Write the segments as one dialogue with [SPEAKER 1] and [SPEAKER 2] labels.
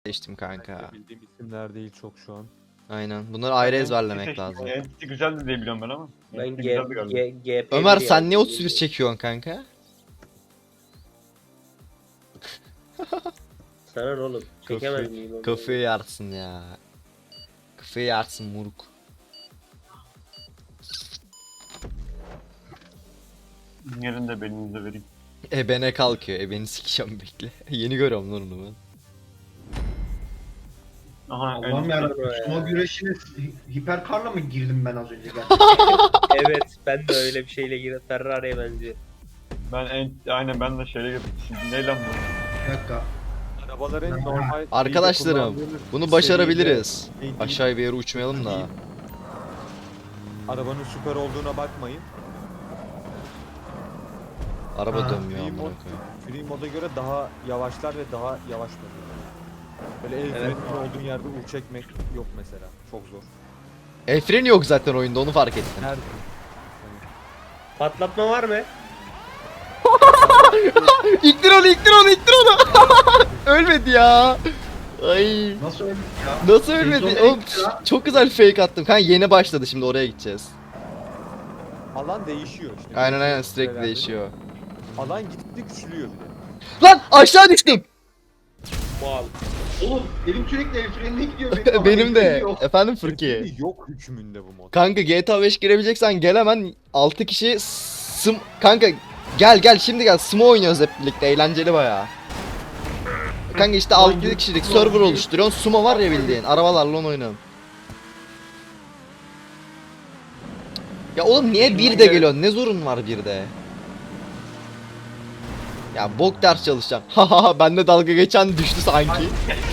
[SPEAKER 1] seçtim kanka.
[SPEAKER 2] Bildiğim isimler değil çok şu an.
[SPEAKER 1] Aynen. Bunları ayrı ezberlemek lazım.
[SPEAKER 3] Entity güzeldi diye biliyorum ben ama.
[SPEAKER 4] Ben
[SPEAKER 3] Entity güzeldi galiba.
[SPEAKER 4] GP
[SPEAKER 1] Ömer sen niye 31 çekiyorsun kanka?
[SPEAKER 4] Sana ne oğlum? Çekemez miyim onu?
[SPEAKER 1] Kafayı yersin ya. Kafayı yersin muruk.
[SPEAKER 3] Yerini de belinize vereyim.
[SPEAKER 1] Ebene kalkıyor. Ebeni sikeceğim bekle. Yeni görüyorum lan onu ben.
[SPEAKER 3] Aha
[SPEAKER 5] Allah'ım
[SPEAKER 3] Entity.
[SPEAKER 5] yarabbim. Sumo güreşine hiperkarla mı girdim ben az önce gerçekten?
[SPEAKER 4] Evet, ben de öyle bir şeyle girip Ferrari'ye benziyor.
[SPEAKER 3] Aynen ben de şeyle girdim. Şimdi ne lan bu?
[SPEAKER 5] Bir dakika.
[SPEAKER 2] Arabaların normal...
[SPEAKER 1] Arkadaşlarım bunu başarabiliriz.
[SPEAKER 2] Değil.
[SPEAKER 1] Aşağıya bir yere uçmayalım da.
[SPEAKER 2] Arabanın süper olduğuna bakmayın.
[SPEAKER 1] Araba
[SPEAKER 5] Ha,
[SPEAKER 1] dönmüyor
[SPEAKER 2] free
[SPEAKER 1] amına
[SPEAKER 2] mod-
[SPEAKER 1] koyayım.
[SPEAKER 2] Free moda göre daha yavaşlar ve daha yavaş dönüyor. Böyle el
[SPEAKER 4] Evet.
[SPEAKER 2] freninin olduğun yerde çekmek yok mesela. Çok zor.
[SPEAKER 1] El freni yok zaten oyunda onu fark ettim.
[SPEAKER 2] Nerede?
[SPEAKER 4] Patlatma var mı?
[SPEAKER 1] İktir onu, iktir onu, iktir onu. Ölmedi ya. Ay.
[SPEAKER 5] Nasıl öldük ya?
[SPEAKER 1] Nasıl ölmedi?
[SPEAKER 5] Sezon
[SPEAKER 1] Oğlum,
[SPEAKER 5] ekti lan.
[SPEAKER 1] çok güzel fake attım. Kanka yeni başladı, şimdi oraya gideceğiz.
[SPEAKER 2] Alan değişiyor işte.
[SPEAKER 1] Aynen sürekli
[SPEAKER 2] Şeylerde.
[SPEAKER 1] değişiyor.
[SPEAKER 2] Alan gittikçe küçülüyor bir de.
[SPEAKER 1] Lan aşağı düştüm.
[SPEAKER 4] Mal.
[SPEAKER 5] Oğlum elim sürekli el frenine gidiyor. Ama
[SPEAKER 1] Benim
[SPEAKER 5] el
[SPEAKER 1] de.
[SPEAKER 5] freni yok.
[SPEAKER 1] Efendim Fırki.
[SPEAKER 2] Kesinlikle yok hükmünde bu mod.
[SPEAKER 1] Kanka GTA 5 girebileceksen gel hemen 6 kişi kanka gel şimdi gel sumo oynuyoruz hep birlikte eğlenceli bayağı. Kanka işte 6 kişilik server oluşturuyorsun, sumo var ya bildiğin arabalarla onu oynayalım. Ya oğlum niye bir de geliyorsun, ne zorun var bir de? Ya bok ders çalışacağım. Haha bende dalga geçen düştü sanki.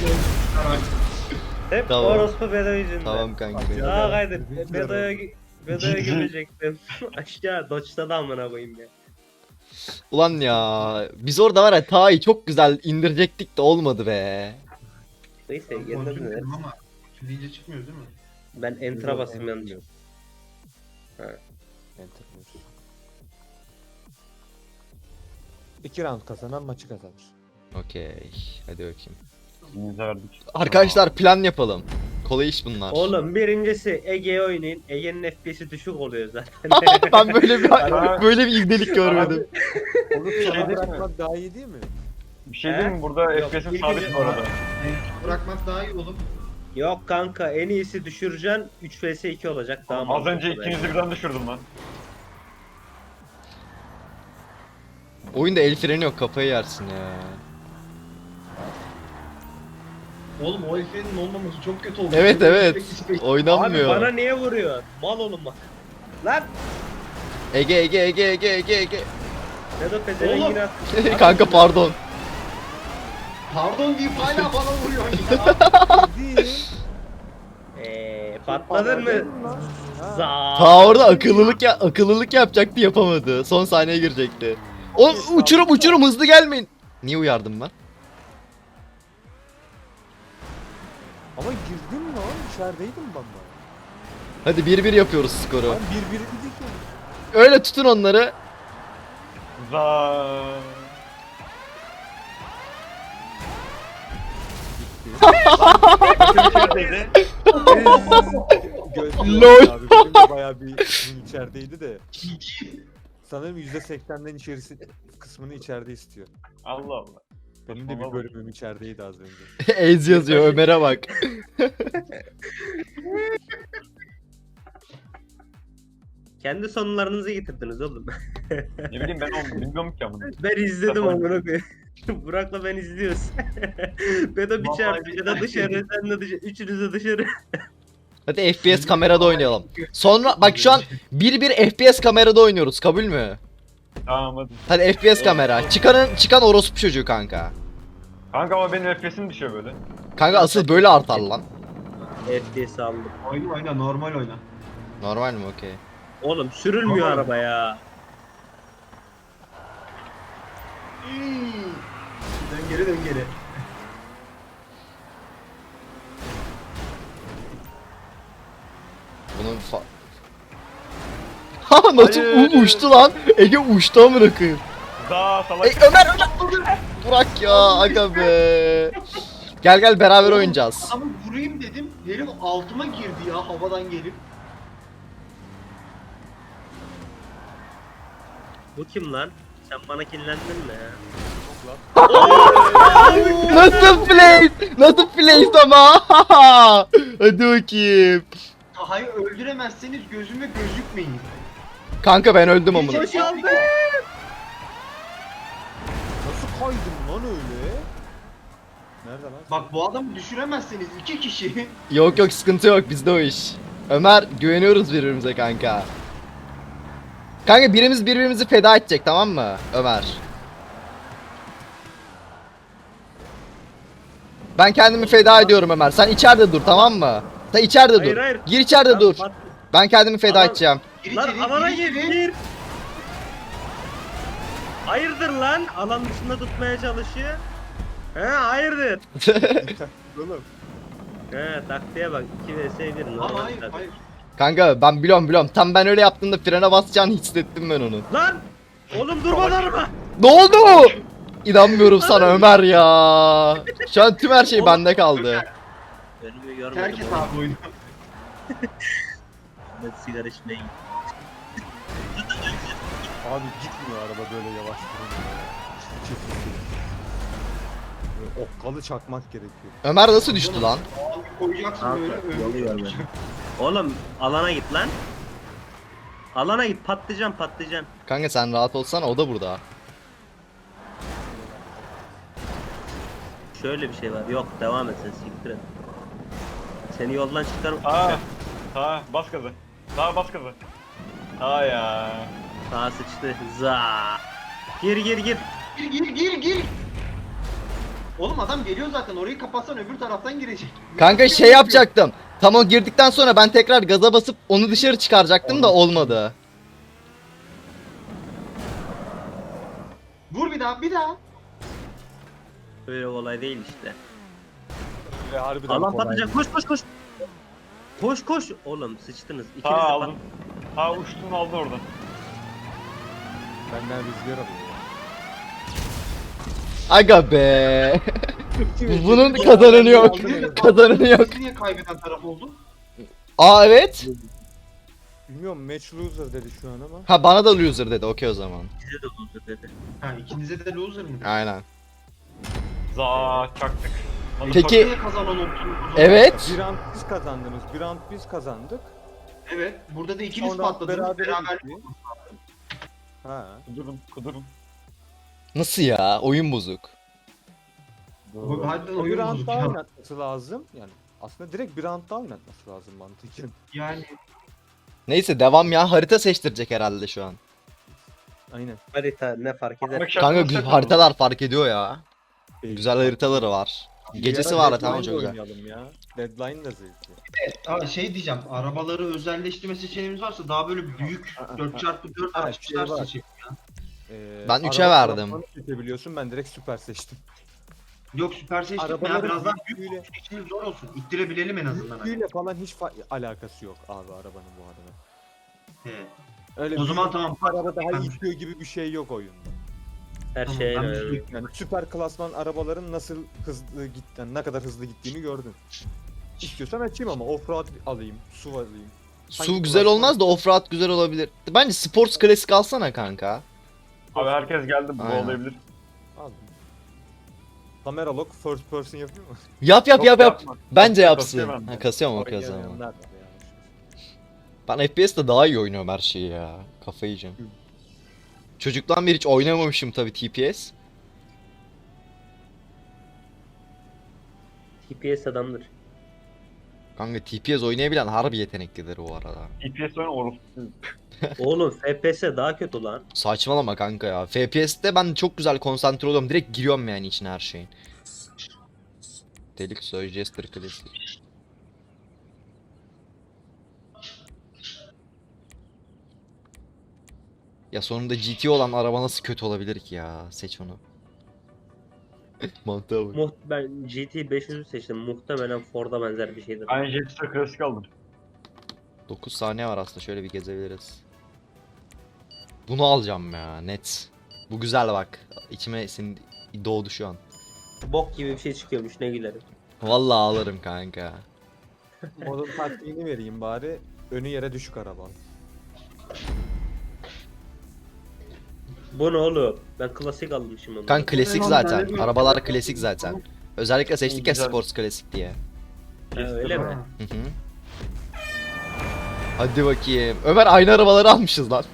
[SPEAKER 4] Hep
[SPEAKER 1] Tamam.
[SPEAKER 4] orospu Bedo yüzünden.
[SPEAKER 1] Tamam kanka.
[SPEAKER 4] Aa kaydır. Bedo'ya girecektim. Aşağı Dodge'da da amına koyayım ya.
[SPEAKER 1] Ulan ya biz orada var ya Ta'yı çok güzel indirecektik de olmadı be.
[SPEAKER 4] Neyse
[SPEAKER 5] Kontrol
[SPEAKER 4] yeniden mi?
[SPEAKER 5] ettim ama deyince çıkmıyor değil mi?
[SPEAKER 4] Ben enter'a basayım yanlış.
[SPEAKER 2] Enter diyorsun. 2 round kazanan maçı kazanır.
[SPEAKER 1] Okey hadi bakayım.
[SPEAKER 3] Elinize verdik.
[SPEAKER 1] Arkadaşlar plan yapalım. Kolay iş bunlar.
[SPEAKER 4] Oğlum birincisi Ege'ye oynayın. Ege'nin FPS'i düşük oluyor zaten.
[SPEAKER 1] Ben böyle bir
[SPEAKER 3] Ara-
[SPEAKER 1] böyle bir ibnelik görmedim.
[SPEAKER 2] Onu
[SPEAKER 3] şey
[SPEAKER 2] sana
[SPEAKER 3] değil mi?
[SPEAKER 2] bırakmak daha iyi değil mi?
[SPEAKER 3] Bir şey diyeyim mi? Burada
[SPEAKER 4] Yok,
[SPEAKER 3] FPS'im
[SPEAKER 4] ilk
[SPEAKER 3] sabit
[SPEAKER 4] önce-
[SPEAKER 3] bu arada.
[SPEAKER 5] Bırakmak daha iyi oğlum.
[SPEAKER 4] Yok kanka en iyisi düşüreceksin 3 vs 2 olacak daha
[SPEAKER 3] Az
[SPEAKER 4] mantıklı
[SPEAKER 3] önce
[SPEAKER 4] bence.
[SPEAKER 3] ikinizi birden düşürdüm lan.
[SPEAKER 1] Oyunda el freni yok, kafayı yersin ya.
[SPEAKER 5] Oğlum o el frenin olmaması çok kötü oldu.
[SPEAKER 1] Evet evet.
[SPEAKER 4] Abi
[SPEAKER 1] Oynanmıyor.
[SPEAKER 4] bana niye vuruyor? Mal oğlum bak. Lan!
[SPEAKER 1] Ege.
[SPEAKER 4] Bedo pezevengini at.
[SPEAKER 1] Kanka pardon.
[SPEAKER 5] Pardon deyip hala bana vuruyor ya.
[SPEAKER 2] Değil.
[SPEAKER 4] Patladın mı? Za.
[SPEAKER 1] Ta orada akıllılık yapacaktı, yapamadı. Son saniye girecekti. O uçurum hızlı gelmeyin. Niye uyardım ben?
[SPEAKER 2] Ama girdin mi lan? İçerideydim ben de.
[SPEAKER 1] Hadi 1-1 yapıyoruz skoru.
[SPEAKER 2] Ben 1-1 dedik ya.
[SPEAKER 1] Öyle tutun onları.
[SPEAKER 3] Za. İçerideydi.
[SPEAKER 1] Lol.
[SPEAKER 2] Abi benim de bayağı bir bunun içerideydi de. Sanırım %80'den içerisi kısmını içeride istiyor.
[SPEAKER 3] Allah Allah.
[SPEAKER 2] Benim de bir
[SPEAKER 3] Tamam.
[SPEAKER 2] bölümüm içerideydi az önce.
[SPEAKER 1] Ez yazıyor Ömer'e bak.
[SPEAKER 4] Kendi sonlarınızı getirdiniz oğlum.
[SPEAKER 3] Ne bileyim ben onu bilmiyorum ki ama.
[SPEAKER 4] Ben izledim
[SPEAKER 3] Tamam.
[SPEAKER 4] amına koyayım. Burak'la ben izliyoruz. Bedo bir
[SPEAKER 3] Vallahi
[SPEAKER 4] çarpı ya da
[SPEAKER 5] bir-
[SPEAKER 4] dışarı, sen de dışarı, üçünüz de dışarı.
[SPEAKER 1] Hadi FPS kamerada oynayalım. Sonra bak şu an 1-1 FPS kamerada oynuyoruz, kabul mü?
[SPEAKER 3] Tamam hadi.
[SPEAKER 1] Hadi FPS kamera. Çıkan orospu çocuğu kanka.
[SPEAKER 3] Kanka ama benim FPS'im düşüyor böyle.
[SPEAKER 1] Kanka asıl böyle artar lan.
[SPEAKER 4] FPS aldım.
[SPEAKER 5] Oyna normal oyna.
[SPEAKER 1] Normal mi? Okey.
[SPEAKER 4] Oğlum sürülmüyor
[SPEAKER 5] Normal.
[SPEAKER 4] araba ya.
[SPEAKER 5] Dön geri.
[SPEAKER 1] Bunun Ha nasıl
[SPEAKER 3] Hayır.
[SPEAKER 1] uçtu lan? Ege uçtu amına koyayım.
[SPEAKER 3] Za salak.
[SPEAKER 1] Ömer. Burak ya aga be. Gel gel beraber
[SPEAKER 5] Oğlum,
[SPEAKER 1] oynayacağız.
[SPEAKER 5] Adamı vurayım dedim. Herif altıma girdi ya havadan gelip.
[SPEAKER 4] Bu kim lan? Sen bana kinlendin mi ya?
[SPEAKER 1] Nasıl play? Nasıl play ama? Hadi bakayım.
[SPEAKER 5] Taha'yı öldüremezseniz gözüme gözükmeyin.
[SPEAKER 1] Kanka ben öldüm amına.
[SPEAKER 5] Hiç aldı.
[SPEAKER 2] Nasıl kaydın lan öyle? Nerede lan?
[SPEAKER 5] Bak bu adamı düşüremezseniz iki kişi.
[SPEAKER 1] Yok yok sıkıntı yok bizde o iş. Ömer güveniyoruz birbirimize kanka. Kanka birimiz birbirimizi feda edecek tamam mı Ömer? Ben kendimi feda ediyorum Ömer. Sen içeride dur tamam mı? Sen içeride
[SPEAKER 4] Hayır,
[SPEAKER 1] dur.
[SPEAKER 4] hayır.
[SPEAKER 1] Gir içeride
[SPEAKER 4] Lan
[SPEAKER 1] dur.
[SPEAKER 4] Bat-
[SPEAKER 1] Ben kendimi feda
[SPEAKER 4] Aman-
[SPEAKER 1] edeceğim.
[SPEAKER 5] Gir
[SPEAKER 4] Lan
[SPEAKER 5] içeri,
[SPEAKER 4] alana
[SPEAKER 5] gir
[SPEAKER 4] gir
[SPEAKER 5] içeri.
[SPEAKER 4] gir. Hayırdır lan? Alan dışında tutmaya çalışıyor. He hayırdır?
[SPEAKER 2] Oğlum.
[SPEAKER 4] He taktiğe bak. 2 vs 1
[SPEAKER 5] Ama
[SPEAKER 4] normal
[SPEAKER 5] hayır
[SPEAKER 4] tabii.
[SPEAKER 5] hayır.
[SPEAKER 1] Kanka ben biliyorum. Tam ben öyle yaptığımda frene basacağını hissettim ben onu.
[SPEAKER 4] Lan! Oğlum durmadı araba.
[SPEAKER 1] Ne oldu? İnanmıyorum sana Ömer ya. Şu an tüm her şey bende kaldı.
[SPEAKER 4] Önümü görmedim.
[SPEAKER 5] Terk et
[SPEAKER 4] oğlum.
[SPEAKER 5] abi oyunu.
[SPEAKER 4] Ben sigara içmeye gittim.
[SPEAKER 2] Abi gitmiyor araba böyle yavaş durunca. Böyle okkalı çakmak gerekiyor.
[SPEAKER 1] Ömer nasıl düştü lan?
[SPEAKER 5] Abi koyacaksın
[SPEAKER 4] Kanka,
[SPEAKER 5] böyle
[SPEAKER 4] yolu görmedim. Oğlum alana git lan. Alana git patlayacaksın.
[SPEAKER 1] Kanka sen rahat olsana o da burada.
[SPEAKER 4] Şöyle bir şey var. Yok devam et sen siktir et. Seni yoldan çıkarım.
[SPEAKER 3] Ta bas gazı. Ta bas gazı. Ta ya.
[SPEAKER 4] Sağa sıçtı. Za. Gir.
[SPEAKER 5] Gir gir gir gir. Oğlum adam geliyor zaten orayı kapatsan öbür taraftan girecek.
[SPEAKER 1] Kanka şey yapacaktım. Tam o girdikten sonra ben tekrar gaza basıp onu dışarı çıkaracaktım da olmadı.
[SPEAKER 5] Vur bir daha bir daha.
[SPEAKER 4] Öyle olay değil işte.
[SPEAKER 2] Ve harbiden
[SPEAKER 4] Alan
[SPEAKER 2] kolay.
[SPEAKER 4] patlayacak. Koş. Koş. Oğlum sıçtınız. İkiniz
[SPEAKER 3] Ta
[SPEAKER 4] de
[SPEAKER 3] aldın. Ta uçtun aldı oradan.
[SPEAKER 2] Benden rüzgar alıyor.
[SPEAKER 1] Aga be. Bunun kazananı yok. Kazananı yok.
[SPEAKER 5] Niye kaybeden taraf oldu?
[SPEAKER 1] Aa evet.
[SPEAKER 2] Bilmiyorum match loser dedi şu an ama.
[SPEAKER 1] Ha bana da loser dedi. Okey o zaman.
[SPEAKER 4] Size de buldu dedi.
[SPEAKER 5] Ha ikinize de loser mı?
[SPEAKER 1] Aynen.
[SPEAKER 3] Za çaktık. Hadi
[SPEAKER 1] Peki-
[SPEAKER 3] bakalım.
[SPEAKER 5] Niye kazanan oldu?
[SPEAKER 1] Evet.
[SPEAKER 2] Bir round biz kazandınız, bir round biz kazandık.
[SPEAKER 5] Evet. Burada da ikiniz
[SPEAKER 2] Sonra
[SPEAKER 5] patladınız.
[SPEAKER 2] berabere
[SPEAKER 5] Beraber.
[SPEAKER 2] bitti. Ha.
[SPEAKER 3] Kudurun.
[SPEAKER 1] Nasıl ya? Oyun bozuk.
[SPEAKER 5] Bu harbiden
[SPEAKER 2] Bir
[SPEAKER 5] oyun
[SPEAKER 2] round
[SPEAKER 5] bozuk
[SPEAKER 2] daha
[SPEAKER 5] ya.
[SPEAKER 2] oynatması lazım. Yani aslında direkt bir round daha oynatması lazım mantıken.
[SPEAKER 5] Yani
[SPEAKER 1] Neyse devam ya. Harita seçtirecek herhalde şu an.
[SPEAKER 2] Aynen.
[SPEAKER 4] Harita ne fark eder?
[SPEAKER 3] Bak,
[SPEAKER 1] Kanka
[SPEAKER 3] şarkı
[SPEAKER 1] haritalar fark ediyor ya.
[SPEAKER 2] Değil.
[SPEAKER 1] Güzel haritaları var. Gecesi
[SPEAKER 2] Bir
[SPEAKER 1] var
[SPEAKER 2] ara
[SPEAKER 1] da tamam
[SPEAKER 2] Deadline
[SPEAKER 1] çok güzel.
[SPEAKER 2] oynayalım ya. Deadline da zevkli.
[SPEAKER 5] Abi şey diyeceğim, arabaları özelleştirme seçeneğimiz varsa daha böyle büyük 4x4
[SPEAKER 2] Ha,
[SPEAKER 5] açmışlar
[SPEAKER 2] şey var.
[SPEAKER 5] seçelim.
[SPEAKER 1] Ben üçe
[SPEAKER 2] araba
[SPEAKER 1] verdim.
[SPEAKER 2] tarafını seçebiliyorsun, ben direkt süper seçtim.
[SPEAKER 5] Yok süper seçtik ya
[SPEAKER 2] Arabaların
[SPEAKER 5] biraz daha
[SPEAKER 2] büyüklüğüyle-
[SPEAKER 5] büyük seçimimiz zor olsun. İttirebilelim en azından. Hani.
[SPEAKER 2] Büyüklüğüyle falan hiç alakası yok abi arabanın bu arada.
[SPEAKER 5] He.
[SPEAKER 2] Öyle
[SPEAKER 5] O zaman
[SPEAKER 2] büyük
[SPEAKER 5] tamam.
[SPEAKER 2] araba daha
[SPEAKER 5] Ben-
[SPEAKER 2] itiyor gibi bir şey yok oyunda.
[SPEAKER 4] Her
[SPEAKER 5] Tamam,
[SPEAKER 4] şey
[SPEAKER 5] ben bir
[SPEAKER 4] öyle.
[SPEAKER 5] şey-
[SPEAKER 2] Yani süper klasman arabaların nasıl hızlı yani ne kadar hızlı gittiğini gördün. İstiyorsan açayım ama offroad alayım, SUV alayım.
[SPEAKER 1] Su
[SPEAKER 2] Hangi
[SPEAKER 1] güzel
[SPEAKER 2] klasman-
[SPEAKER 1] olmaz da offroad güzel olabilir. Bence sports klasik alsana kanka.
[SPEAKER 3] Abi herkes geldi bu
[SPEAKER 1] Aynen.
[SPEAKER 3] olabilir.
[SPEAKER 2] Aldım. Kamera lock first person yapıyor mu?
[SPEAKER 1] Yap
[SPEAKER 3] Yok,
[SPEAKER 1] yap.
[SPEAKER 3] yapma.
[SPEAKER 1] Bence
[SPEAKER 3] Kasıyor
[SPEAKER 1] yapsın.
[SPEAKER 3] bende.
[SPEAKER 1] Ha, kasıyor mu?
[SPEAKER 2] Oraya
[SPEAKER 1] Okey o zaman.
[SPEAKER 2] gelemeyenler var ya.
[SPEAKER 1] Ben FPS'te daha iyi oynuyorum her şeyi ya. Kafayı yiyeceğim. Çocuktan beri hiç oynamamışım tabii TPS.
[SPEAKER 4] TPS adamdır.
[SPEAKER 1] Kanka TPS oynayabilen harbi yeteneklidir bu arada.
[SPEAKER 3] EPS oyun orospu.
[SPEAKER 4] Oğlum FPS daha kötü lan.
[SPEAKER 1] Saçmalama kanka ya. FPS'te ben çok güzel konsantre oluyorum. Direkt giriyorum yani içine her şeyin. Delik Soy Jester klasik. Ya sonunda GT olan araba nasıl kötü olabilir ki ya? Seç onu. Mantığa bak.
[SPEAKER 4] Ben GT 500'ü seçtim. Muhtemelen Ford'a benzer bir şeydir.
[SPEAKER 3] Ben Jetstar klasik aldım.
[SPEAKER 1] 9 saniye var aslında şöyle bir gezebiliriz. Bunu alacağım ya net. Bu güzel bak. İçime doğdu şu an.
[SPEAKER 4] Bok gibi bir şey çıkıyormuş ne gülerim.
[SPEAKER 1] Vallahi ağlarım kanka.
[SPEAKER 2] Modun taktiğini vereyim bari. Önü yere düşük araba.
[SPEAKER 4] Bu ne oğlum? Ben klasik almışım onu.
[SPEAKER 1] Kanka klasik zaten. Arabalar klasik zaten. Özellikle seçtik ya
[SPEAKER 3] Güzel.
[SPEAKER 1] Sports klasik diye.
[SPEAKER 4] Ha, öyle mi?
[SPEAKER 1] Hı hı. Hadi bakayım. Ömer aynı arabaları almışız lan.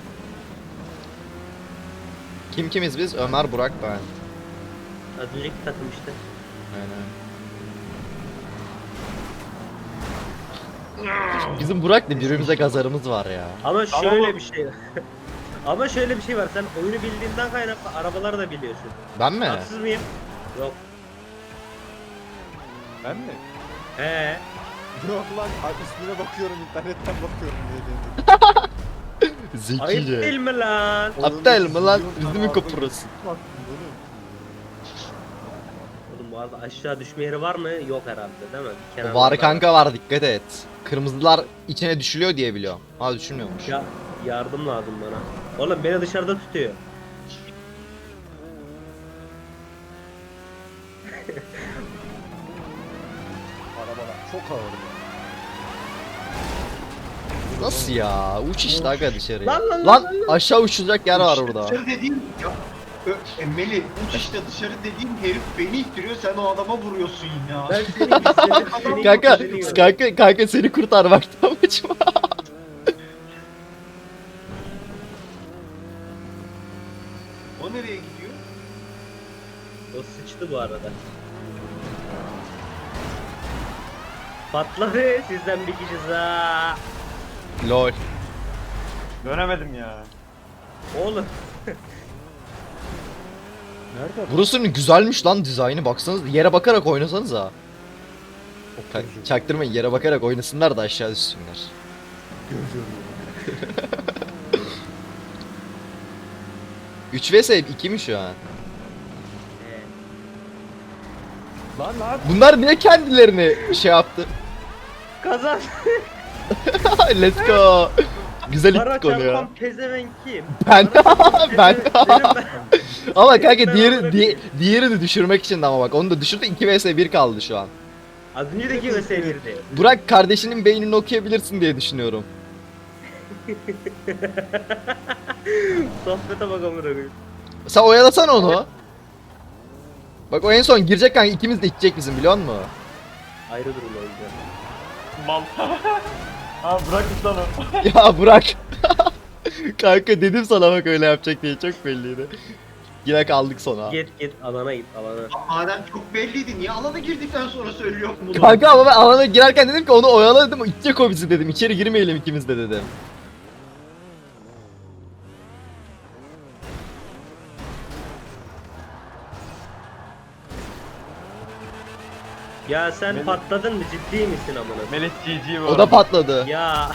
[SPEAKER 1] Kim kimiz biz? Ömer, Burak, ben.
[SPEAKER 4] Az önceki takım işte.
[SPEAKER 1] Aynen. Bizim Burak'la birbirimize gazarımız var ya.
[SPEAKER 4] Ama
[SPEAKER 3] Ama
[SPEAKER 4] şöyle
[SPEAKER 3] bu-
[SPEAKER 4] bir şey. Ama şöyle bir şey var. Sen oyunu bildiğinden kaynaklı arabaları da biliyorsun.
[SPEAKER 1] Ben mi?
[SPEAKER 4] Haksız mıyım? Yok.
[SPEAKER 2] Ben mi?
[SPEAKER 4] He.
[SPEAKER 2] Yok lan üstüne bakıyorum internetten bakıyorum diye dedim.
[SPEAKER 4] Ayıp değil
[SPEAKER 1] Zekice.
[SPEAKER 4] mi lan?
[SPEAKER 1] Aptal mı lan?
[SPEAKER 2] Oyunda
[SPEAKER 1] Bizi mi
[SPEAKER 2] milyon
[SPEAKER 1] koparırsın?
[SPEAKER 2] tane bunu.
[SPEAKER 4] Oğlum bu arada aşağı düşme yeri var mı? Yok herhalde değil mi? Kenarlarda
[SPEAKER 1] Var kanka var, dikkat et. Kırmızılar içine düşülüyor diye biliyorum. Ha düşülmüyormuş.
[SPEAKER 4] Ya yardım lazım bana. Oğlum beni dışarıda tutuyor.
[SPEAKER 2] Arabalar çok ağır.
[SPEAKER 1] Nasıl ya? Uç işte aga dışarıya.
[SPEAKER 4] Lan, lan,
[SPEAKER 1] Lan
[SPEAKER 4] lan,
[SPEAKER 1] aşağı uçulacak yer var burada.
[SPEAKER 5] Dışarı dediğin ya. Melih uç işte dışarı dediğin herif beni ittiriyor sen o adama vuruyorsun ya.
[SPEAKER 4] Ben seni
[SPEAKER 1] Kanka,
[SPEAKER 4] izledim.
[SPEAKER 1] kanka seni kurtarmakta amacım.
[SPEAKER 5] O nereye gidiyor?
[SPEAKER 4] O sıçtı bu arada. Patladı sizden bir kişi ha.
[SPEAKER 1] Lol.
[SPEAKER 3] Dönemedim ya.
[SPEAKER 4] Oğlum
[SPEAKER 2] Nerede?
[SPEAKER 1] Burasının güzelmiş lan dizaynı, baksanız yere bakarak oynasanız ha. Çaktırmayın, yere bakarak oynasınlar da aşağı düşsünler.
[SPEAKER 2] Görüyorum.
[SPEAKER 1] 3 vs 2 mi şu an?
[SPEAKER 2] Lan.
[SPEAKER 1] Bunlar niye kendilerini şey yaptı?
[SPEAKER 4] kazan.
[SPEAKER 1] Let's go. Güzel
[SPEAKER 4] Para
[SPEAKER 1] ittik onu ya.
[SPEAKER 4] çarpan pezevenk kim?
[SPEAKER 1] Ben ben
[SPEAKER 4] Benim
[SPEAKER 1] ama kanka
[SPEAKER 4] Ben
[SPEAKER 1] diğeri
[SPEAKER 4] amına koyayım.
[SPEAKER 1] diğerini düşürmek için de ama bak onu da düşürdü, 2 vs 1 kaldı şu an.
[SPEAKER 4] Az önce de kim sevirdi?
[SPEAKER 1] Burak kardeşinin beynini okuyabilirsin diye düşünüyorum.
[SPEAKER 4] Sohbete bak amına koyayım.
[SPEAKER 1] Sen oyalasana onu. Bak o en son girecek kanka, ikimiz de içecek bizim, biliyor musun?
[SPEAKER 4] Ayrı durum o yüzden.
[SPEAKER 3] Mal. Ha bırakmış lan o.
[SPEAKER 1] Ya Burak. Kanka dedim sana bak öyle yapacak diye, çok belliydi. Yine kaldık sona.
[SPEAKER 4] Git alana git alana.
[SPEAKER 5] Madem çok belliydi niye alana girdikten sonra söylüyor bunu?
[SPEAKER 1] Kanka ama ben alana girerken dedim ki onu oyala dedim, içecek o bizi dedim. İçeri girmeyelim ikimiz de dedim.
[SPEAKER 4] Ya sen
[SPEAKER 3] Melih-
[SPEAKER 4] patladın mı, ciddi misin amına?
[SPEAKER 3] Melih GG bu.
[SPEAKER 1] O da patladı.
[SPEAKER 4] Ya.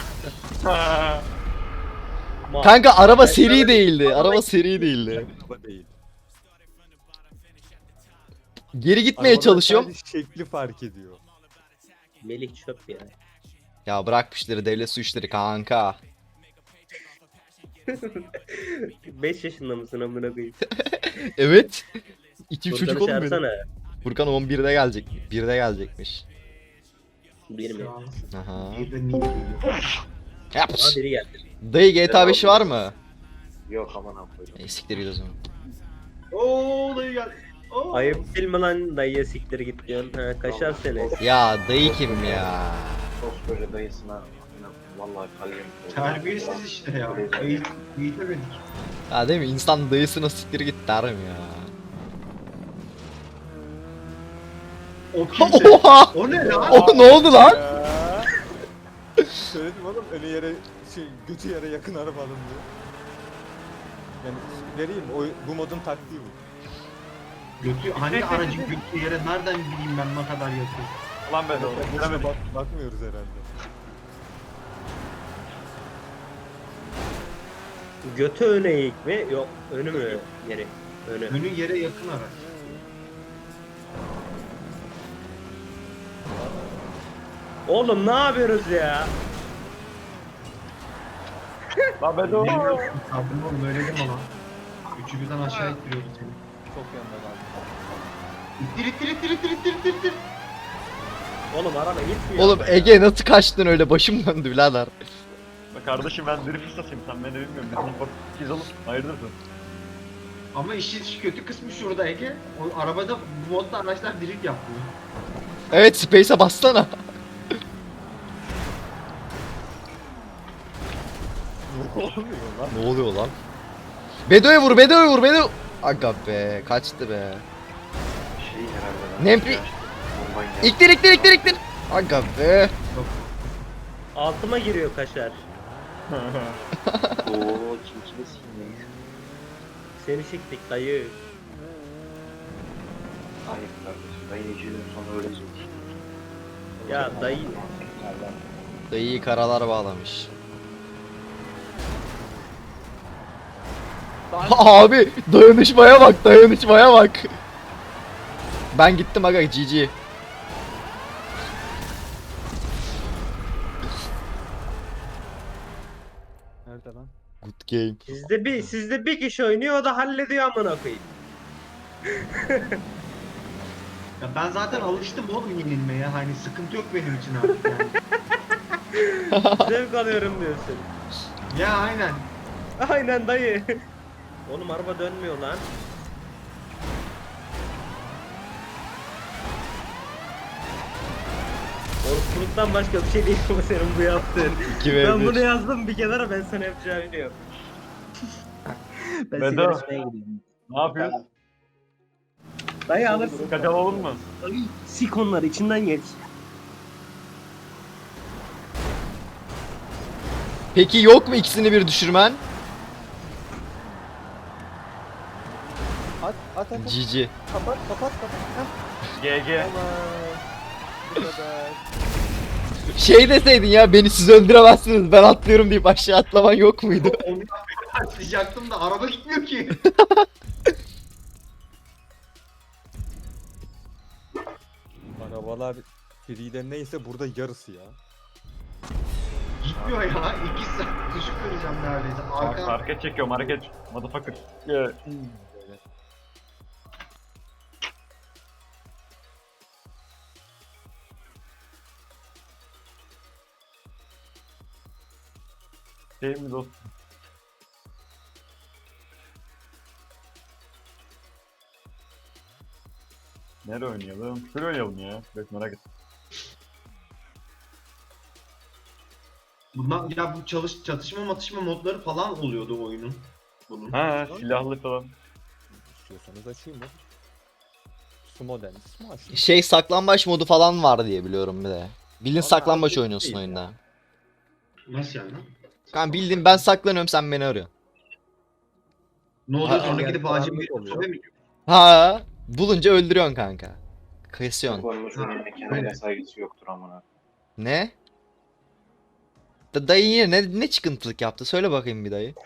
[SPEAKER 1] Kanka araba seri değildi. Araba seri değildi.
[SPEAKER 2] Araba değil.
[SPEAKER 1] Geri gitmeye
[SPEAKER 2] Arabanın
[SPEAKER 1] çalışıyorum.
[SPEAKER 2] sadece şekli fark ediyor.
[SPEAKER 4] Melih çöp ya.
[SPEAKER 1] Ya bırak bu işleri, devlet su işleri kanka.
[SPEAKER 4] 5 yaşında mısın amına koyayım?
[SPEAKER 1] Evet. İki
[SPEAKER 4] Furkan'ı
[SPEAKER 1] çocuk oğlum benim.
[SPEAKER 4] çağırsana.
[SPEAKER 1] Furkan 11'de gelecek. 1'de gelecekmiş.
[SPEAKER 4] Bir mi?
[SPEAKER 1] Aha.
[SPEAKER 5] Bir de niye geliyor?
[SPEAKER 1] Yap.
[SPEAKER 4] Aa biri geldi.
[SPEAKER 1] Dayı GTA 5'i var mı?
[SPEAKER 6] Yok aman koydum.
[SPEAKER 1] Siktir git o zaman.
[SPEAKER 5] Ooo dayı geldi. Oo.
[SPEAKER 4] Ayıp değil mi lan dayıya siktir git diyorsun. Ha kaşar seni.
[SPEAKER 1] Ya dayı kim ya?
[SPEAKER 6] Koskoca dayısına vallahi kalbim koydu.
[SPEAKER 5] Terbiyesiz işte ya. Eğitemedik.
[SPEAKER 1] Ya değil mi? İnsan dayısına siktir git der mi ya?
[SPEAKER 5] O kimse.
[SPEAKER 1] Oha!
[SPEAKER 5] O ne lan?
[SPEAKER 1] O ne oldu lan?
[SPEAKER 2] Ya. Söyledim oğlum önü yere götü yere yakın araba alın diye. Yani vereyim bu modun taktiği bu.
[SPEAKER 5] Götü, hangi aracın götü yere nereden bileyim ben ne kadar yakın?
[SPEAKER 3] Ulan ben de
[SPEAKER 2] Boşuna
[SPEAKER 3] demedim.
[SPEAKER 2] bakmıyoruz herhalde.
[SPEAKER 4] Götü öne eğik mi? Yok önü mü yeri? Önü.
[SPEAKER 5] Önü yere yakın araç.
[SPEAKER 4] Oğlum ne yapıyoruz ya?
[SPEAKER 3] Lan ben de
[SPEAKER 5] Bilmiyorum. Sabrım oğlum öyle deme lan. Üçü birden aşağı ittiriyordu seni.
[SPEAKER 2] Çok yanında kaldı.
[SPEAKER 5] İttir ittir ittir ittir ittir ittir ittir.
[SPEAKER 4] Oğlum araba gitmiyor.
[SPEAKER 1] Oğlum
[SPEAKER 4] ama ya.
[SPEAKER 1] Ege nasıl kaçtın öyle, başım döndü birader.
[SPEAKER 3] Bak kardeşim ben drift ustasıyım sen beni bilmiyorum. Bizim bak biz oğlum hayırdırdır.
[SPEAKER 5] Ama işin kötü kısmı şurada Ege. O arabada bu modda araçlar drift yapmıyor.
[SPEAKER 1] Evet, Space'e bassana.
[SPEAKER 2] Ne oluyor lan?
[SPEAKER 1] Ne oluyor lan? Bedo'ya vur, Bedo'ya vur, Bedo. Aga be, kaçtı be.
[SPEAKER 6] Şey herhalde.
[SPEAKER 1] Nempi.
[SPEAKER 6] Bombayı
[SPEAKER 1] İktir, iktir, iktir, iktir. Aga be.
[SPEAKER 4] Altıma giriyor kaşar.
[SPEAKER 6] Ooo kimkiniz neyiz?
[SPEAKER 4] Seni siktik dayı.
[SPEAKER 6] Hayır kardeşim. Ben 2 gün sonra öyle söyledim.
[SPEAKER 4] Ya dayı.
[SPEAKER 1] Dayıyı karalar bağlamış. Abi dayanışmaya bak, dayanışmaya bak. Ben gittim aga, GG.
[SPEAKER 2] Nerede lan?
[SPEAKER 1] Good game.
[SPEAKER 4] Sizde bir kişi oynuyor o da hallediyor amına koyayım.
[SPEAKER 5] Ya ben zaten alıştım oğlum yenilmeye. Hani sıkıntı yok benim için artık yani.
[SPEAKER 4] Zevk alıyorum diyorsun.
[SPEAKER 5] Ya aynen.
[SPEAKER 4] Aynen dayı. Oğlum araba dönmüyor lan. Orkuluktan başka bir şey değil bu senin bu yaptığın.
[SPEAKER 1] 2 ve
[SPEAKER 4] Ben
[SPEAKER 1] 1.
[SPEAKER 4] bunu yazdım bir kenara, ben sana yapacağımı biliyorum. Ben
[SPEAKER 3] Bedo.
[SPEAKER 4] sigara içmeye gideyim.
[SPEAKER 3] Ne yapıyorsun?
[SPEAKER 4] Dayı alırsın.
[SPEAKER 3] Kaçal olur mu?
[SPEAKER 4] Dayı sik onları içinden geç.
[SPEAKER 1] Peki yok mu ikisini bir düşürmen?
[SPEAKER 2] At.
[SPEAKER 1] GG.
[SPEAKER 2] Kapat. Heh.
[SPEAKER 3] GG.
[SPEAKER 2] Tamam. Bu kadar.
[SPEAKER 1] Şey deseydin ya, beni siz öldüremezsiniz, ben atlıyorum deyip aşağı atlaman yok muydu?
[SPEAKER 5] Onu başlayacaktım da araba gitmiyor ki.
[SPEAKER 2] Arabalar Free'de neyse burada yarısı ya.
[SPEAKER 5] Gitmiyor ya. 2 saat düşük kıracağım neredeyse.
[SPEAKER 3] Bak
[SPEAKER 5] Arka
[SPEAKER 3] hareket çekiyorum hareket. Motherfucker. Yeah.
[SPEAKER 2] Böyle.
[SPEAKER 3] Şey mi dostum? Nerede oynayalım? Şöyle oynayalım ya. Evet merak ettim.
[SPEAKER 5] bundan ya bu çatışma matışma modları falan oluyordu oyunun. Bunun.
[SPEAKER 3] Ha silahlı falan.
[SPEAKER 2] İstiyorsanız açayım mı? Sumo den. Sumo açayım.
[SPEAKER 1] Şey, saklambaç modu falan var diye biliyorum bir de. Bildiğin
[SPEAKER 2] Ama
[SPEAKER 1] saklambaç
[SPEAKER 2] artık
[SPEAKER 1] oynuyorsun
[SPEAKER 2] değil
[SPEAKER 1] oyunda.
[SPEAKER 2] ya.
[SPEAKER 5] Nasıl yani lan?
[SPEAKER 1] Kanka bildiğin ben saklanıyorum, sen beni arıyorsun.
[SPEAKER 5] Ne oluyor
[SPEAKER 1] Ha,
[SPEAKER 5] sonra
[SPEAKER 2] yani
[SPEAKER 5] gidip acil bir
[SPEAKER 2] karanlık oluyor.
[SPEAKER 5] sobe mi?
[SPEAKER 1] Ha, bulunca öldürüyorsun kanka. Kesiyorsun.
[SPEAKER 6] Konmuş onun kendine saygısı yoktur amına.
[SPEAKER 1] Ne? Dayı yine ne çıkıntılık yaptı? Söyle bakayım bir dayı.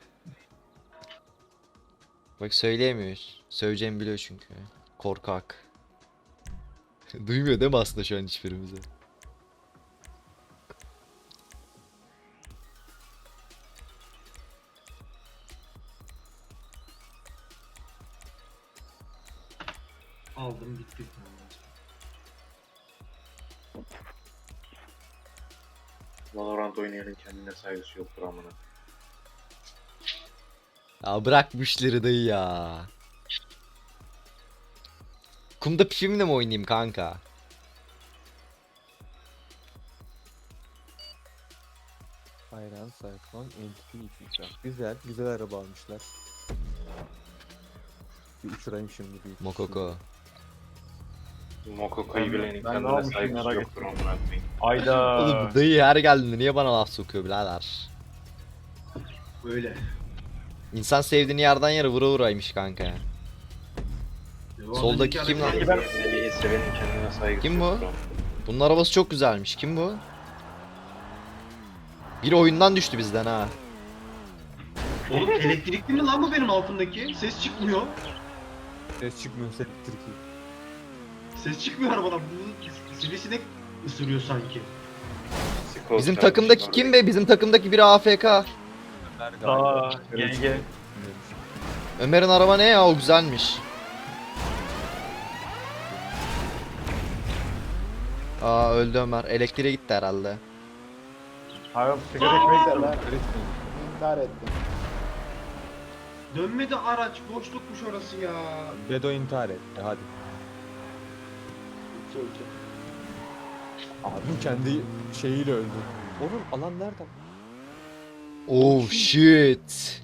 [SPEAKER 1] Bak söyleyemiyor. Söyleyeceğimi biliyor çünkü. Korkak. Duymuyor değil mi aslında şu an hiçbirimizi?
[SPEAKER 5] Aldım gitti.
[SPEAKER 6] Valorant oynayanın kendine saygısı yoktur amına.
[SPEAKER 1] Ya bırak bu işleri dayı ya. Kumda pifimle mi oynayayım kanka?
[SPEAKER 2] Ayran, Cyclone, Entity 2 Güzel araba almışlar. Bir uçurayım şimdi bir.
[SPEAKER 1] Mokoko.
[SPEAKER 6] Mokoko'yu bilenin
[SPEAKER 3] Ben ne
[SPEAKER 6] kendine
[SPEAKER 3] olmuşum
[SPEAKER 6] saygısı
[SPEAKER 3] merak
[SPEAKER 6] yoktur amına koyayım.
[SPEAKER 3] Ayda.
[SPEAKER 1] Oğlum bu dayı her geldiğinde niye bana laf sokuyor birader?
[SPEAKER 5] Öyle.
[SPEAKER 1] İnsan sevdiğini yerden yere vura vuraymış kanka ya. Soldaki kim lan?
[SPEAKER 6] Peki ben bir sevenin kendine saygısı
[SPEAKER 1] Kim bu?
[SPEAKER 6] yoktur amına.
[SPEAKER 1] Bunun arabası çok güzelmiş. Kim bu? Biri oyundan düştü bizden ha.
[SPEAKER 5] Oğlum elektrikli mi lan bu benim altımdaki? Ses çıkmıyor.
[SPEAKER 2] Ses çıkmıyor Türkiye.
[SPEAKER 5] Ses çıkmıyor arabadan. Bu sivrisinek ısırıyor sanki.
[SPEAKER 6] Sikos
[SPEAKER 1] Bizim
[SPEAKER 6] kardeşim
[SPEAKER 1] takımdaki
[SPEAKER 6] orada.
[SPEAKER 1] kim be? Bizim takımdaki biri AFK.
[SPEAKER 3] Aa, GG.
[SPEAKER 1] Ömer'in araba ne ya? O güzelmiş. Aa öldü Ömer. Elektriğe gitti herhalde.
[SPEAKER 3] Hayır sigara içmeyi de
[SPEAKER 2] Öğretmenim.
[SPEAKER 7] İntihar ettim.
[SPEAKER 5] Dönmedi araç. Boşlukmuş orası ya.
[SPEAKER 2] Bedo intihar etti hadi.
[SPEAKER 7] 2-2.
[SPEAKER 2] Abim kendi şeyiyle öldü. Oğlum alan nerede?
[SPEAKER 1] Oh shit.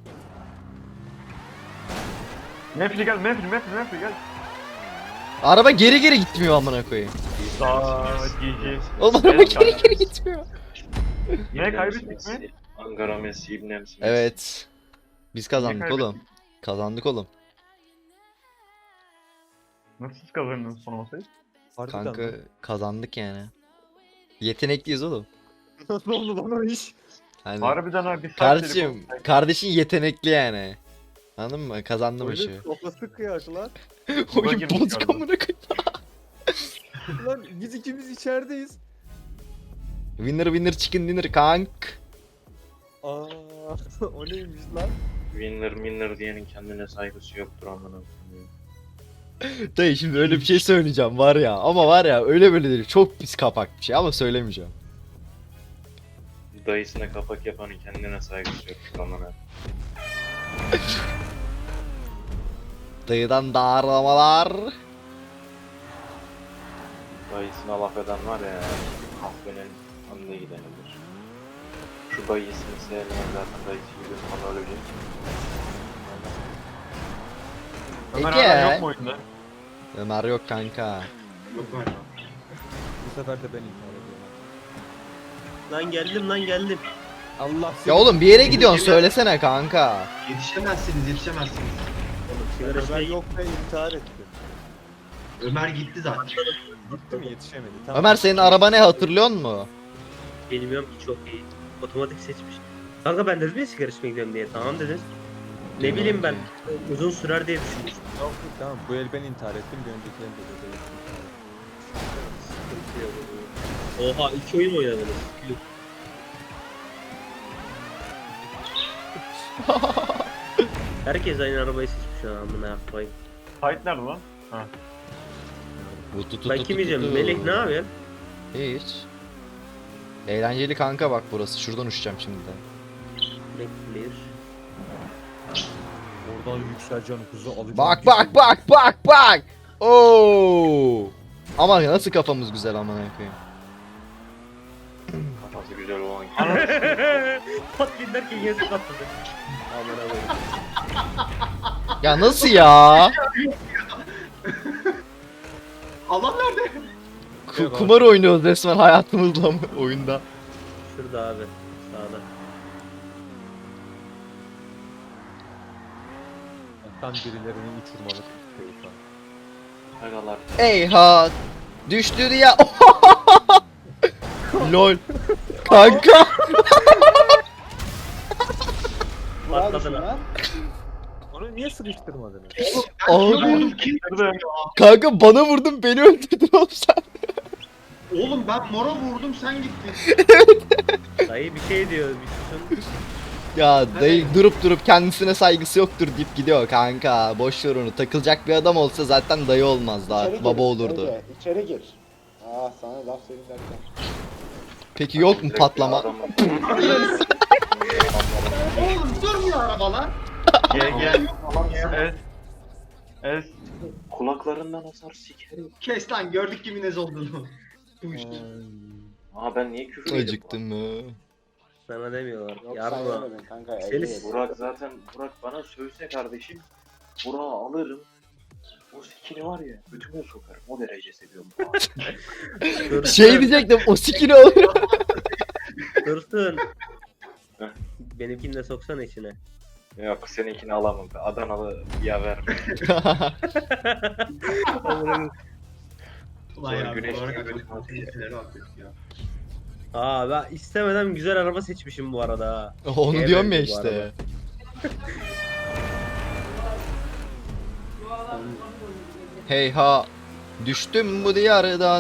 [SPEAKER 3] Mefli gel, Mefli gel.
[SPEAKER 1] Araba geri geri gitmiyor amına koyayım.
[SPEAKER 3] Aa, GG.
[SPEAKER 1] Oğlum araba geri geri gitmiyor.
[SPEAKER 3] Ne kaybettik mi?
[SPEAKER 6] Ankara Messi, İbn Messi.
[SPEAKER 1] Evet. Biz kazandık
[SPEAKER 3] kaybettik?
[SPEAKER 1] oğlum. Kazandık oğlum.
[SPEAKER 3] Nasıl siz kazandınız son masayı?
[SPEAKER 2] Harbiden
[SPEAKER 1] Kanka
[SPEAKER 2] lan.
[SPEAKER 1] kazandık yani. Yetenekliyiz oğlum.
[SPEAKER 2] Nasıl oldu lan o iş?
[SPEAKER 1] Hani
[SPEAKER 3] Harbiden ha bir saat
[SPEAKER 1] kardeşim, kardeşin yetenekli yani. Anladın mı? Kazandı maçı.
[SPEAKER 2] Oyunun kafası kıyaş lan.
[SPEAKER 1] Oyun
[SPEAKER 3] girmiş
[SPEAKER 1] bozuk
[SPEAKER 3] galiba.
[SPEAKER 1] amına koyayım.
[SPEAKER 2] Lan biz ikimiz içerideyiz.
[SPEAKER 1] Winner winner chicken dinner kank.
[SPEAKER 2] Aa, o neymiş lan?
[SPEAKER 6] Winner diyenin kendine saygısı yoktur amına koyayım.
[SPEAKER 1] Dayı şimdi öyle bir şey söyleyeceğim var ya, ama var ya öyle böyle değil, çok pis kapak bir şey ama söylemeyeceğim.
[SPEAKER 6] Dayısına kapak yapanın kendine saygısı yoktur amına.
[SPEAKER 1] Dayıdan darlamalar.
[SPEAKER 6] Dayısına laf eden var ya, kahvenin önüne gidenidir. Şu dayısını sevmeyen zaten dayısı gibi falan ölecek.
[SPEAKER 3] Ömer
[SPEAKER 1] Ege.
[SPEAKER 3] hala yok mu oyunda?
[SPEAKER 1] Ömer yok kanka.
[SPEAKER 5] Yok galiba.
[SPEAKER 2] Bu sefer de ben intihar ediyorum.
[SPEAKER 4] Lan geldim.
[SPEAKER 2] Allah
[SPEAKER 1] Ya oğlum bir yere gidiyorsun, söylesene kanka.
[SPEAKER 5] Yetişemezsiniz.
[SPEAKER 4] Oğlum sigara
[SPEAKER 2] Ömer
[SPEAKER 4] içmeyi
[SPEAKER 2] yok ve intihar etti.
[SPEAKER 5] Ömer gitti zaten.
[SPEAKER 2] Gitti mi yetişemedi. Tamam.
[SPEAKER 1] Ömer senin araba ne, hatırlıyor musun?
[SPEAKER 4] bilmiyorum ki, çok iyi. Otomatik seçmiş. Kanka ben dedim ya sigara içmeye gidiyorum diye. Tamam dediniz. Ne bileyim ben, uzun sürer diye düşünmüştüm.
[SPEAKER 2] Yok, tamam bu el ben intihar ettim. Bir önceki el de Bedo intihar etti.
[SPEAKER 4] Sıkıntı yok. Oha 2 oyun oynadınız. Yuh. Herkes aynı arabayı seçmiş ya, amına koyayım.
[SPEAKER 3] Fight nerede lan?
[SPEAKER 4] Ben kim yiyeceğim? Melek ne yapıyorsun?
[SPEAKER 1] Hiç. Eğlenceli kanka, bak burası. Şuradan uçacağım şimdi de.
[SPEAKER 4] Bekler.
[SPEAKER 2] Oradan yükseleceğim hızı alacağım.
[SPEAKER 1] Bak. Oo. Ama nasıl kafamız güzel amına koyayım.
[SPEAKER 6] Kafası güzel olan
[SPEAKER 4] Patlayın derken yazık atladı. Amına koyayım.
[SPEAKER 1] Ya nasıl ya?
[SPEAKER 5] Allah nerede?
[SPEAKER 1] Kumar oynuyoruz resmen hayatımızla mı oyunda?
[SPEAKER 4] Şurada abi. Sağda.
[SPEAKER 2] Tam birilerini uçurmalık istiyor şu an.
[SPEAKER 6] Agalar.
[SPEAKER 1] Eyha! Düştü ya. Lol. Kanka.
[SPEAKER 4] Patladın ha.
[SPEAKER 2] Onu niye sıkıştırmadınız?
[SPEAKER 1] Abi.
[SPEAKER 5] Vurdum kim?
[SPEAKER 3] Nerede?
[SPEAKER 1] Kanka bana vurdun, beni öldürdün oğlum sen.
[SPEAKER 5] Oğlum ben mora vurdum sen gittin.
[SPEAKER 4] Dayı bir şey diyor, bir susun.
[SPEAKER 1] Ya dayı durup kendisine saygısı yoktur deyip gidiyor kanka. Boş ver onu. Takılacak bir adam olsa zaten dayı olmaz daha.
[SPEAKER 7] İçeri
[SPEAKER 1] Baba
[SPEAKER 7] gir,
[SPEAKER 1] olurdu.
[SPEAKER 7] Ege, İçeri gir. Aa sana laf söyleyeyim derken.
[SPEAKER 1] Peki yok mu patlama?
[SPEAKER 5] Oğlum durmuyor araba lan.
[SPEAKER 3] Gel. Es.
[SPEAKER 6] Kulaklarından asar sikerim.
[SPEAKER 5] Kes lan gördük kimin ez olduğunu.
[SPEAKER 6] Aa ben niye küfür yedim?
[SPEAKER 1] Acıktın mı?
[SPEAKER 4] Sana demiyorlar.
[SPEAKER 7] Yok sen
[SPEAKER 4] Yarma.
[SPEAKER 7] yemedin kanka.
[SPEAKER 4] Seni
[SPEAKER 7] Ege yedi.
[SPEAKER 6] Burak bana sövse kardeşim. Burak'ı alırım. O sikini var ya götüme sokarım. O derece seviyorum Burak'ı.
[SPEAKER 1] Şey diyecektim, o sikini alır.
[SPEAKER 4] Dursun.
[SPEAKER 6] Heh.
[SPEAKER 4] Benimkini de soksana içine.
[SPEAKER 6] Yok seninkini alamam. Adanalı yaver.
[SPEAKER 5] Ulan ya
[SPEAKER 6] Güneş
[SPEAKER 5] bu arada
[SPEAKER 6] gibi.
[SPEAKER 5] tehlikelere bakıyoruz ya.
[SPEAKER 4] Aa ben istemeden güzel araba seçmişim bu arada ha.
[SPEAKER 1] Onu
[SPEAKER 4] Şeye
[SPEAKER 1] diyorum ya
[SPEAKER 4] benziyor bu
[SPEAKER 1] işte. Heyha, düştüm bu diyardan.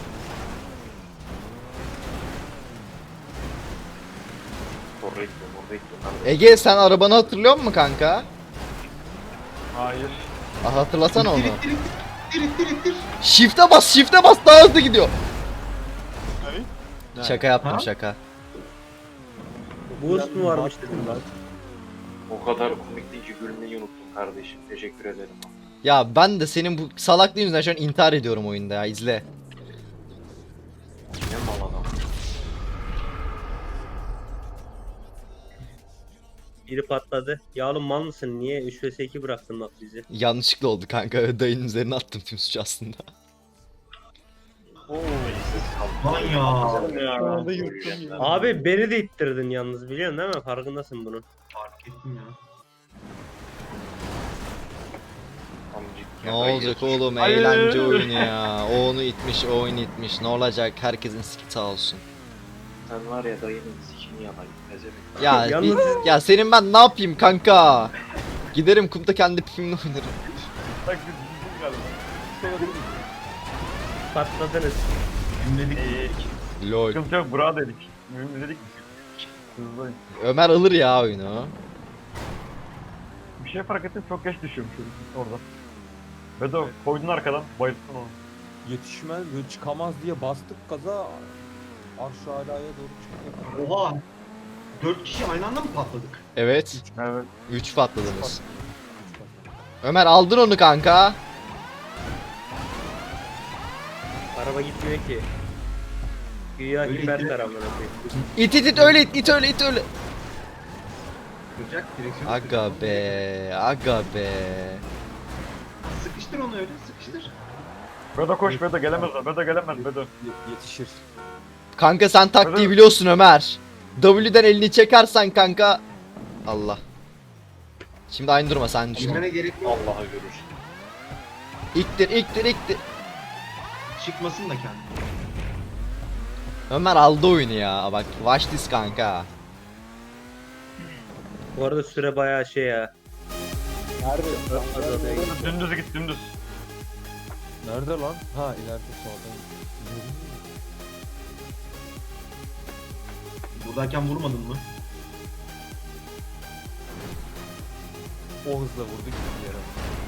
[SPEAKER 6] Correcto, bekliyorum.
[SPEAKER 1] Ege sen arabanı hatırlıyor musun kanka?
[SPEAKER 3] Hayır.
[SPEAKER 1] Hatırlasana onu.
[SPEAKER 5] İttir.
[SPEAKER 1] Shift'e bas daha hızlı gidiyor.
[SPEAKER 2] Ne?
[SPEAKER 1] Şaka yaptım
[SPEAKER 5] Ha?
[SPEAKER 1] şaka.
[SPEAKER 4] Boost mu varmış dedim
[SPEAKER 2] Baktım
[SPEAKER 4] lan.
[SPEAKER 6] O kadar komikti ki gülmeyi unuttum kardeşim. Teşekkür ederim.
[SPEAKER 1] Ya ben de senin bu salaklığın yüzünden şu an intihar ediyorum oyunda ya izle.
[SPEAKER 6] Ne mal adam.
[SPEAKER 4] Biri patladı. Ya oğlum mal mısın? Niye 3 vs 2 bıraktın bak bizi?
[SPEAKER 1] Yanlışlıkla oldu kanka dayının üzerine attım tüm suçu aslında.
[SPEAKER 5] Lan ya.
[SPEAKER 2] Şu anda yırttım ya.
[SPEAKER 4] Abi beni de ittirdin yalnız biliyorsun değil mi? Farkındasın bunun.
[SPEAKER 5] Fark ettim ya.
[SPEAKER 1] Ne olacak oğlum eğlence oyunu ya. O onu itmiş o onu itmiş ne olacak herkesin siki sağ olsun.
[SPEAKER 6] Sen var ya dayının sikini yalayın. Pezevenk.
[SPEAKER 1] Ya
[SPEAKER 4] Yalnız-
[SPEAKER 1] ya senin ben ne yapayım kanka? Giderim kumda kendi pipimle oynarım.
[SPEAKER 3] Bak biz galiba.
[SPEAKER 4] Patladınız.
[SPEAKER 5] Cümledik.
[SPEAKER 1] Lol.
[SPEAKER 3] Sıkıntı yok bura dedik. Mühim dedik mi? Hızlıyım.
[SPEAKER 1] Ömer alır ya oyunu.
[SPEAKER 3] Bir şey fark ettim çok geç düşüyormuş orada. Bedo koydun arkadan bayılttın onu.
[SPEAKER 2] Yetişmez, böyle çıkamaz diye bastık gaza. Arş alaya doğru çıkıyor.
[SPEAKER 5] Oha. 4 kişi aynı anda mı patladık?
[SPEAKER 1] Evet.
[SPEAKER 3] Evet.
[SPEAKER 1] 3 patladınız. Ömer aldın onu kanka.
[SPEAKER 4] Araba gitmiyor ki. Güya
[SPEAKER 5] Öyle
[SPEAKER 4] hiper
[SPEAKER 5] gidiyor.
[SPEAKER 4] tarafına koyayım.
[SPEAKER 1] İt öyle it öyle it öyle.
[SPEAKER 5] Duracak direksiyon.
[SPEAKER 1] Aga be aga be.
[SPEAKER 5] Sıkıştır onu öyle sıkıştır.
[SPEAKER 3] Bedo koş Bedo gelemez o. Bedo gelemez Bedo.
[SPEAKER 2] Yetişir.
[SPEAKER 1] Kanka sen taktiği biliyorsun Ömer. W'den elini çekersen kanka. Allah. Şimdi aynı durma sen düşün.
[SPEAKER 5] Girmene gerek yok.
[SPEAKER 6] Allah'a görürsün.
[SPEAKER 1] İktir.
[SPEAKER 5] Çıkmasın da kendi.
[SPEAKER 1] Ömer aldı oyunu ya. Bak watch this kanka.
[SPEAKER 4] Bu arada süre bayağı şey ya.
[SPEAKER 2] Nerede?
[SPEAKER 4] Azalıyor.
[SPEAKER 3] Dümdüz git dümdüz.
[SPEAKER 2] Nerede lan? Ha ileride sağda.
[SPEAKER 5] Buradayken vurmadın mı?
[SPEAKER 2] O hızla vurdu gitti yere.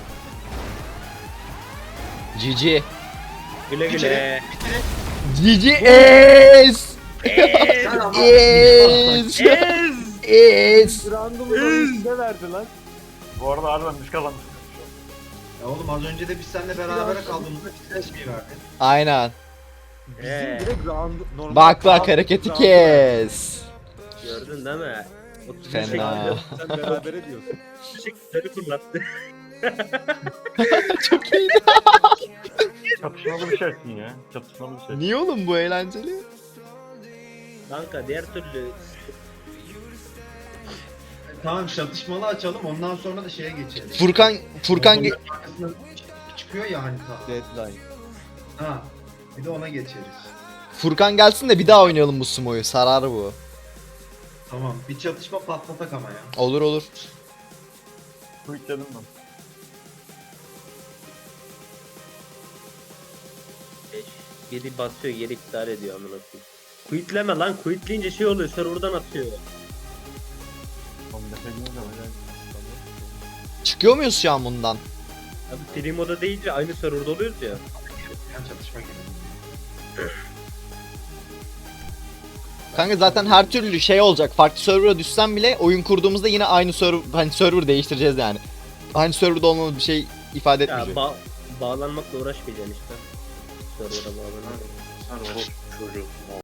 [SPEAKER 1] GG.
[SPEAKER 4] Güle güle.
[SPEAKER 1] GG es.
[SPEAKER 5] Sen ama.
[SPEAKER 1] Es. Es.
[SPEAKER 2] Random üstüne verdi lan.
[SPEAKER 3] Bu arada harbiden biz kazandık.
[SPEAKER 5] Ya oğlum az önce de biz seninle beraber kaldığımızda bize şey verdi.
[SPEAKER 1] Aynen.
[SPEAKER 2] Bizim direkt normal.
[SPEAKER 1] Bak hareketi kes.
[SPEAKER 4] Gördün değil mi?
[SPEAKER 1] Fena.
[SPEAKER 2] Sen berabere diyorsun.
[SPEAKER 4] Çiçekleri fırlattı.
[SPEAKER 1] Çok iyiydi.
[SPEAKER 3] Çatışmalı bir şeysin ya. Çatışmalı bir şey.
[SPEAKER 1] Niye oğlum bu eğlenceli?
[SPEAKER 4] Kanka diğer türlü
[SPEAKER 5] Tamam çatışmalı açalım ondan sonra da şeye geçelim.
[SPEAKER 1] Furkan
[SPEAKER 5] Onların arkasına çıkıyor ya hani ta.
[SPEAKER 2] Deadline.
[SPEAKER 5] Ha. Bir de ona geçeriz.
[SPEAKER 1] Furkan gelsin de bir daha oynayalım bu sumoyu. Sarar bu.
[SPEAKER 5] Tamam. Bir çatışma patlatak ama ya.
[SPEAKER 1] Olur.
[SPEAKER 3] Quick dedim ben.
[SPEAKER 4] biri basıyor geri iptal ediyor amına koyayım. Quitleme lan, quitleyince şey oluyor, serverdan atıyor.
[SPEAKER 3] Oğlum defe gibi de var ya.
[SPEAKER 1] Çıkıyor muyuz şu an bundan?
[SPEAKER 4] Abi free moda deyince aynı serverda oluyoruz ya.
[SPEAKER 5] Yani çatışma gibi.
[SPEAKER 1] Kanka zaten her türlü şey olacak. Farklı server'a düşsem bile oyun kurduğumuzda yine aynı server, hani server değiştireceğiz yani. Aynı serverda olmamız bir şey ifade
[SPEAKER 4] Ya
[SPEAKER 1] etmeyecek.
[SPEAKER 4] bağlanmakla uğraşmayacaksın işte. Server'a bağlanmak.
[SPEAKER 6] Sen orospu çocuğusun.